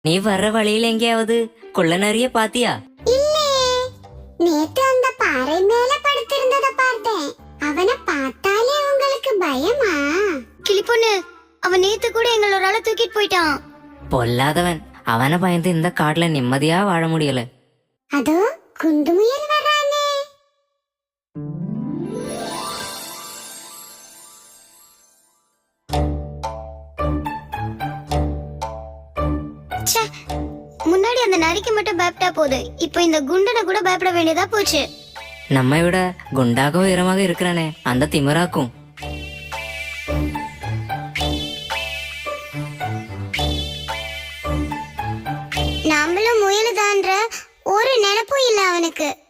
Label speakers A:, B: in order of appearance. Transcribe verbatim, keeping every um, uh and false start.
A: நீ வர்ற வழியில எங்கேயாவது கொள்ள நிறைய பாத்தியா?
B: இல்லே, நேத்து அந்த பாறை மேல படுத்திருந்தத பார்த்தேன். அவனை பார்த்தாலே உங்களுக்கு பயமா?
C: கிளிப்பொண்ணு, அவன் நேத்து கூட எங்களோட ஆளை தூக்கிட்டு போயிட்டான்.
A: பொல்லாதவன். அவனை பயந்து இந்த காட்டுல நிம்மதியா வாழ முடியல.
B: அதோ குண்டு முயல் வரானே.
C: ச்சே, முன்னாடி அந்த நரிக்கு மட்டும் பயப்பட்டா போது, இப்போ இந்த குண்டனை கூட பயப்பட வேண்டியதா போச்சு.
A: நம்மை விட குண்டாக உயரமாக இருக்கிறானே, அந்த திமிராக்கும்.
C: நாமளும் முயலுதான்ற ஒரு நினைப்பும் இல்ல அவனுக்கு.